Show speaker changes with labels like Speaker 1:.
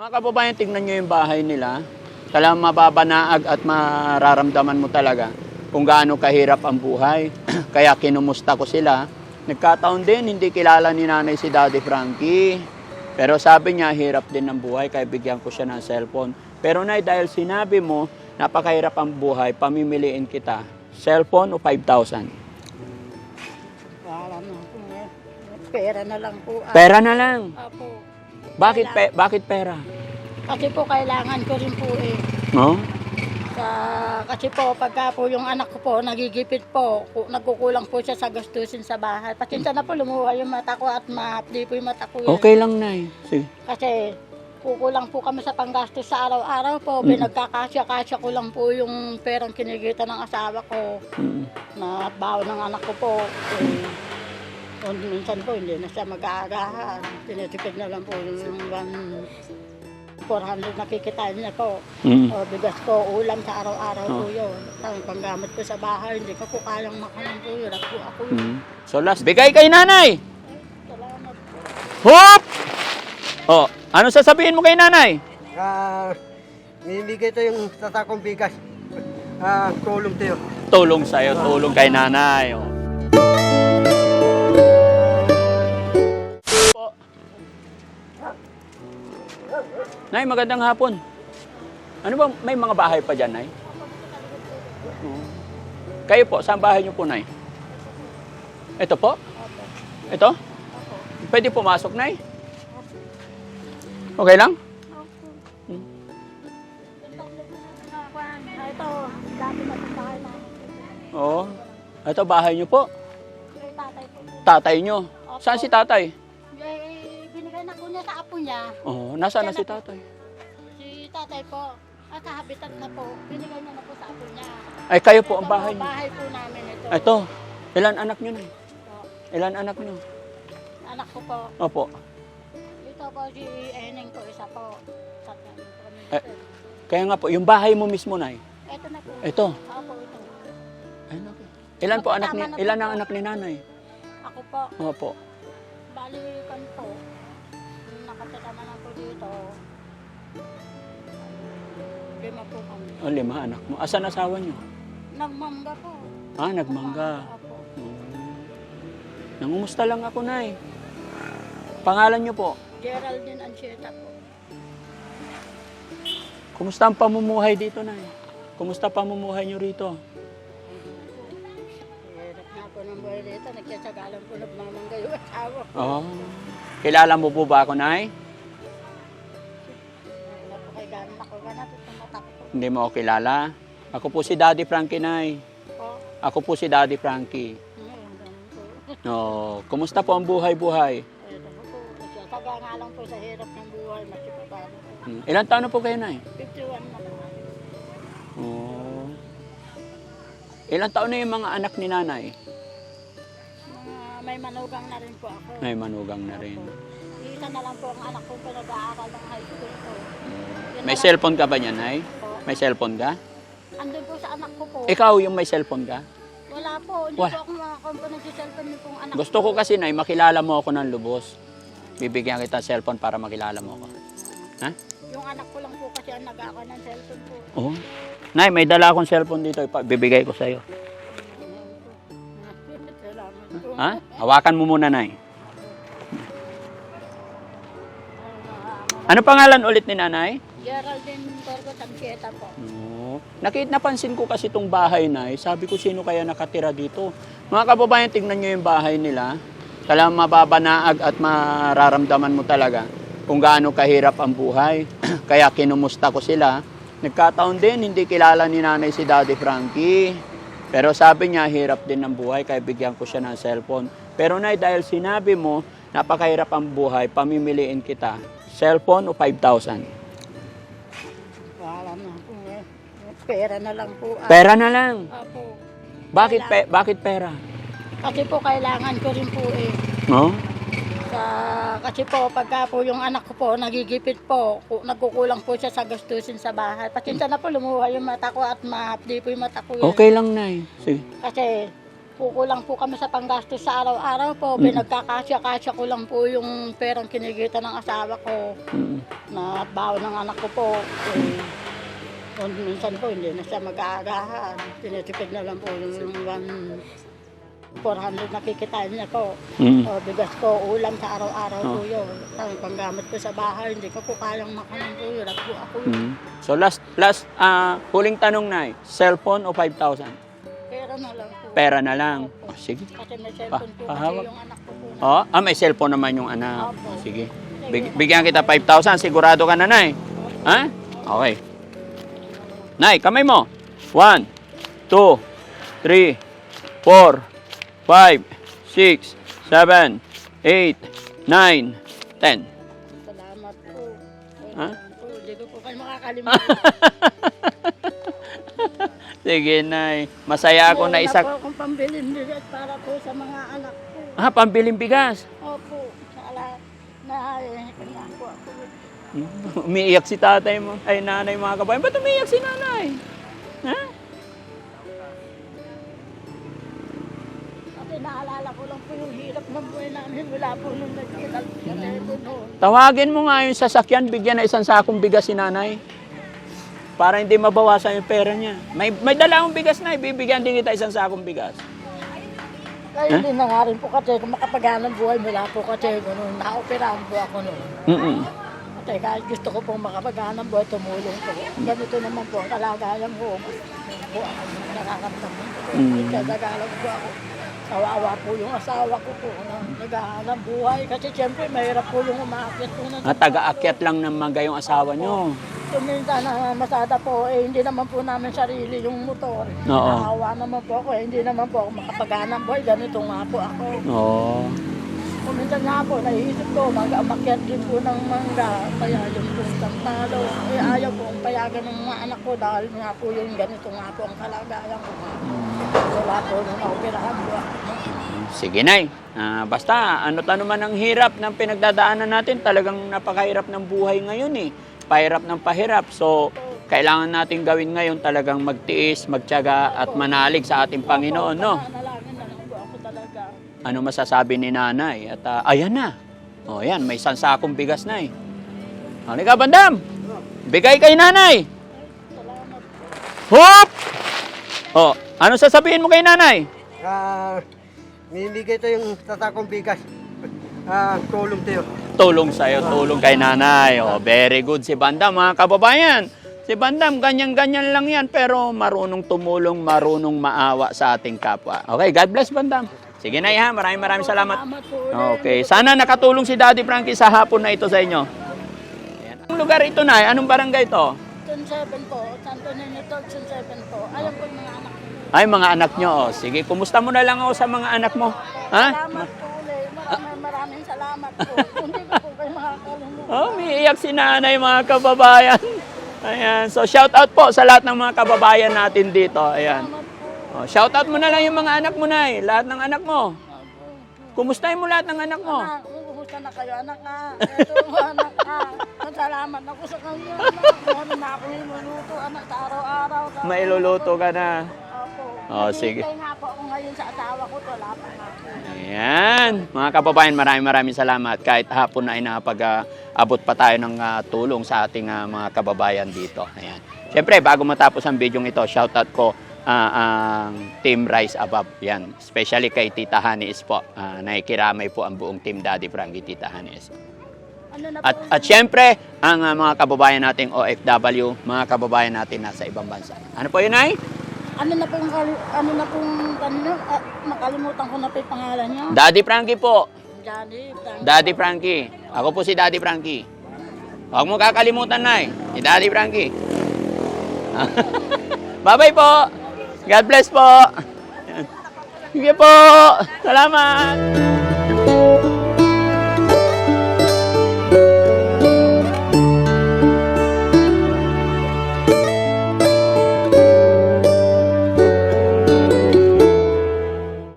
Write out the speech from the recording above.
Speaker 1: Mga kababayan, tingnan nyo yung bahay nila. Talagang mababanaag at mararamdaman mo talaga kung gaano kahirap ang buhay. Kaya kinumusta ko sila. Nagkataon din, hindi kilala ni nanay si Daddy Frankie. Pero sabi niya, hirap din ang buhay, kaya bigyan ko siya ng cellphone. Pero nay, dahil sinabi mo, napakahirap ang buhay, pamimiliin kita. Cellphone o 5,000?
Speaker 2: Wala na po eh. Pera na lang po.
Speaker 1: Pera na lang.
Speaker 2: Apo.
Speaker 1: Bakit pera?
Speaker 2: Kasi po kailangan ko rin po eh.
Speaker 1: No?
Speaker 2: Kasi po pagka po yung anak ko po nagigipit po, nagkukulang po siya sa gastusin sa bahay. Pasensya na po lumuha yung mata ko at mahapdi po yung mata ko.
Speaker 1: Okay lang, nay. Sige.
Speaker 2: Kasi kukulang po kami sa panggastos sa araw-araw po. Pinagkakasya-kasya ko lang po yung perang kinikita ng asawa ko. Na baon ng anak ko po. Minsan po hindi na siya mag-aagahan. Tinitipid na lang po yung 400 na kikitain niya po. O bigas ko, ulam sa araw-araw po yun. Ang panggamit ko sa bahay, hindi ko po kayang makanan po yun. Ako yun.
Speaker 1: So last, bigay kay nanay!
Speaker 2: Salamat po.
Speaker 1: Hop! Oh, ano sasabihin mo kay nanay?
Speaker 3: Binibigay ito yung tatakong bigas. Tulong tayo.
Speaker 1: Tulong sa'yo, tulong kay nanay. Oh. Po. Nay, magandang hapon. Ano ba, may mga bahay pa dyan, Nay? Oo. Kayo po, saan bahay niyo po, Nay? Ito po? Ito? Pwede pumasok, Nay? Okay lang?
Speaker 2: Ito, dati na itong bahay namin.
Speaker 1: Oo. Ito, bahay niyo po.
Speaker 2: Kay tatay po.
Speaker 1: Tatay niyo. Saan si tatay?
Speaker 2: Binigay na po niya sa apo niya.
Speaker 1: Oo, nasaan na si tatay?
Speaker 2: Si tatay po, at sa habitat na po, binigay niya na po sa apo niya.
Speaker 1: Ay, kayo po ang
Speaker 2: Ito
Speaker 1: bahay
Speaker 2: po,
Speaker 1: niyo.
Speaker 2: bahay po namin ito.
Speaker 1: Ito, ilan anak niyo, Nay?
Speaker 2: Ito,
Speaker 1: Ilan anak niyo?
Speaker 2: anak ko po.
Speaker 1: Opo.
Speaker 2: Ito po si Eneng po, isa po. Tatlo po kami
Speaker 1: Eh.
Speaker 2: dito.
Speaker 1: Kaya nga po, yung bahay mo mismo, Nay.
Speaker 2: Ito na po.
Speaker 1: Ito.
Speaker 2: Ako ito.
Speaker 1: Ay, naku. Ilan po anak ni, ilan ang anak ni nanay?
Speaker 2: Ako po.
Speaker 1: Opo.
Speaker 2: Balikan po. Nakatira naman ako dito. 5 po kami.
Speaker 1: O, 5 anak mo. Asan asawa niyo?
Speaker 2: Nagmangga po.
Speaker 1: Ah, nagmangga.
Speaker 2: Ako.
Speaker 1: Nangumusta lang ako, Nay. Pangalan niyo po?
Speaker 2: Geraldine Anchieta po.
Speaker 1: Kumusta ang pamumuhay dito, Nay? Kumusta pamumuhay niyo rito?
Speaker 2: Hirap na po ng buhay dito. Nagkasagalan po nagmamangga yung asawa ko.
Speaker 1: Oh. Kilala mo po ba ako, Nay?
Speaker 2: Napakaiganan ako ganat at tumatak po.
Speaker 1: Hindi mo ako kilala? Ako po si Daddy Frankie, Nay.
Speaker 2: Po.
Speaker 1: Ako po si Daddy Frankie.
Speaker 2: Ngayon, ganun po.
Speaker 1: Oh, kumusta po ang buhay-buhay?
Speaker 2: Ito po. Nagsasaga nga lang po sa hirap ng buhay. Masipapano po.
Speaker 1: Ilan taon na po kayo, Nay?
Speaker 2: 51 na po.
Speaker 1: Oh. Ilan taon na yung mga anak ni nanay?
Speaker 2: May manugang na rin po ako.
Speaker 1: May manugang na rin.
Speaker 2: Isa na lang po ang anak ko pinag-aaral ng high school po. Yun
Speaker 1: May
Speaker 2: na lang
Speaker 1: cellphone ka ba niyan, Nay?
Speaker 2: po.
Speaker 1: May cellphone ka?
Speaker 2: Andun po sa anak ko po.
Speaker 1: Ikaw yung may cellphone ka?
Speaker 2: Wala po. Hindi
Speaker 1: Wala.
Speaker 2: po ako makakomponent sa cellphone niyo pong anak
Speaker 1: Gusto ko kasi, Nay, makilala mo ako ng lubos. Bibigyan kita cellphone para makilala mo ako. Ha?
Speaker 2: Yung anak ko lang po kasi ang nag-aaka ng cellphone po.
Speaker 1: Oo. Nay, may dala akong cellphone dito. Bibigay ko sa'yo.
Speaker 2: Salamat po.
Speaker 1: Ha? Hawakan mo muna, Nay. Ano pangalan ulit ni nanay?
Speaker 2: Geraldine Torgo Tanquieta po.
Speaker 1: No. Napansin ko kasi itong bahay, Nay. Sabi ko, sino kaya nakatira dito? Mga kababayan, tingnan nyo yung bahay nila. Talagang mababanaag at mararamdaman mo talaga kung gaano kahirap ang buhay. Kaya kinumusta ko sila. Nagkataon din, hindi kilala ni nanay si Daddy Frankie. Pero sabi niya, hirap din ang buhay, kaya bigyan ko siya ng cellphone. Pero Nay, dahil sinabi mo, napakahirap ang buhay, pamimiliin kita. Cellphone o 5,000?
Speaker 2: Wala na po eh. Pera na lang po.
Speaker 1: Pera na lang.
Speaker 2: Apo.
Speaker 1: Bakit pera?
Speaker 2: Kasi po kailangan ko rin po eh.
Speaker 1: No?
Speaker 2: Kasi po pagka po yung anak ko po nagigipit po, nagkukulang po siya sa gastusin sa bahay. Pasensya na po lumuha yung mata ko at mahapdi po yung mata ko.
Speaker 1: Okay lang, Nay. Sige.
Speaker 2: Kasi kukulang po kami sa panggastos sa araw-araw po. Pinagkakasya-kasya ko lang po yung perang kinikita ng asawa ko na baon ng anak ko po. Kung minsan po hindi na siya mag-aagahan. Tinitipid na lang po yung 400 na kikitain niya po. O, bigas ko, ulam sa araw-araw po yun. Ang panggamit ko sa bahay, hindi ko po kayang makanan po yun. At po ako yun.
Speaker 1: So last huling tanong na, cellphone o 5,000?
Speaker 2: Pera na lang po.
Speaker 1: Pera na lang. Oh, sige.
Speaker 2: Kasi may cellphone po kasi
Speaker 1: Pahawak.
Speaker 2: yung anak ko po.
Speaker 1: May cellphone naman yung anak.
Speaker 2: Opo.
Speaker 1: Sige. Bigyan kita 5,000. Sigurado ka na, Nay? Ha? Okay. Nay, kamay mo. 1, 2, 3, 4, 5, 6, 7, 8, 9, 10.
Speaker 2: Salamat po.
Speaker 1: Ha?
Speaker 2: Hindi ko po kayo makakalimutan.
Speaker 1: Sige, Nay. Masaya ako na isa.
Speaker 2: Wala po akong pambilin bigas para po sa mga anak ko.
Speaker 1: Pambiling bigas.
Speaker 2: Opo. Sala na kanya po ako.
Speaker 1: Umiiyak si tatay mo. Ay, nanay, mga kabayan. Ba't umiiyak si nanay? Ha?
Speaker 2: Kasi naalala ko lang po yung hirap ng buhay namin. Wala po nung nagkilal sa telepono.
Speaker 1: Tawagin mo nga yung sasakyan, bigyan na isang sakong bigas si nanay. Para hindi mabawasan yung pera niya. May dala akong bigas na, bibigyan din kita isang sakong bigas.
Speaker 2: Kaya hindi na nga rin po kasi kung makapaganang buhay mula po kasi ganun, na-operahan po ako noon. Kasi kahit gusto ko pong makapaganang buhay, tumulong po. Ganito naman po, kalagayan ko. Gusto po ako nakakamdaman ko. Kagagalang po ako. Kawawa po yung asawa ko po na naghahanap buhay. Kasi siyempre mahirap po yung umaakyat po na.
Speaker 1: Taga-akyat lang ng mga yung asawa nyo.
Speaker 2: Minsan na masada po, hindi naman po namin sarili yung motor.
Speaker 1: Oo.
Speaker 2: Nakahawa naman po ako, hindi naman po ako makapaghanap buhay. Ganito nga po ako.
Speaker 1: Oo.
Speaker 2: Kung minsan nga po, naisip ko, mag-amakyat din po ng mangga. Kaya yung puntang talo. Ayaw po ang payagan ng mga anak ko dahil nga po yung ganito nga po ang kalagayan ko. Wala po nung naoperahan po ako.
Speaker 1: Sige, Nay. Basta, ano naman ang hirap ng pinagdadaanan natin, talagang napakahirap ng buhay ngayon eh. Pahirap ng pahirap. So, kailangan natin gawin ngayon talagang magtiis, magtiyaga at manalig sa ating Panginoon, no?
Speaker 2: Nanalangin na lang po ako talaga.
Speaker 1: Ano masasabi ni nanay? At ayan na. O yan, may sansakong bigas na eh. Halika, Bandam! Bigay kay nanay!
Speaker 2: Salamat po.
Speaker 1: Hop! O, ano sasabihin mo kay nanay?
Speaker 3: Mimigay ito yung tatakong bigas. Tulong tayo.
Speaker 1: Tulong sa'yo, tulong kay nanay. O, very good si Bandam, mga kababayan. Si Bandam, ganyan-ganyan lang yan, pero marunong tumulong, marunong maawa sa ating kapwa. Okay, God bless, Bandam. Sige, Nay, ha? Maraming salamat.
Speaker 2: Salamat po ulit.
Speaker 1: Okay, sana nakatulong si Daddy Frankie sa hapon na ito sa inyo. Ayan. Anong lugar ito, Nay? Anong barangay ito?
Speaker 2: Zone 7 po, Santo Niño, Zone 7 po. Alam po yung mga anak ko.
Speaker 1: Ay, mga anak nyo. O, sige, kumusta mo na lang ako sa mga anak mo. Ha?
Speaker 2: Salamat po ulit. Maraming salamat po. Hindi ko po kayo makakalimutan.
Speaker 1: Oh, umiiyak si nanay, mga kababayan. Ayan. So, shout out po sa lahat ng mga kababayan natin dito. Ayan. Oh, shout out mo na lang yung mga anak mo, Nay. Lahat ng anak mo. Kumustahin mo lahat ng anak mo?
Speaker 2: Anak, kumusta na kayo, anak ka? Ito, anak ka. Salamat ako sa kanya, anak. Meron na ako niluluto, anak, sa araw-araw.
Speaker 1: Mailuluto ka na.
Speaker 2: Opo.
Speaker 1: Oh, sige.
Speaker 2: Naghihintay nga po ako ngayon sa asawa ko, wala pa nga po.
Speaker 1: Ayan. Mga kababayan, maraming salamat. Kahit hapon ay napag-abot pa tayo ng tulong sa ating mga kababayan dito. Ayan. Siyempre, bago matapos ang video ito, shoutout ko ang Team Rise Above. Yan. Especially kay Tita Hanis po. Nakikiramay po ang buong Team Daddy Frankie, Tita Hanis.
Speaker 2: Ano na po?
Speaker 1: At siyempre, ang mga kababayan nating OFW, mga kababayan natin nasa ibang bansa. Ano po yun, Nay?
Speaker 2: Makalimutan ko na po yung pangalan niya.
Speaker 1: Daddy Frankie po.
Speaker 2: Johnny,
Speaker 1: Daddy Frankie. Ako po si Daddy Frankie. Huwag mo kakalimutan, Nay. Si Daddy Frankie. Bye-bye po. God bless po. Sige po. Salamat.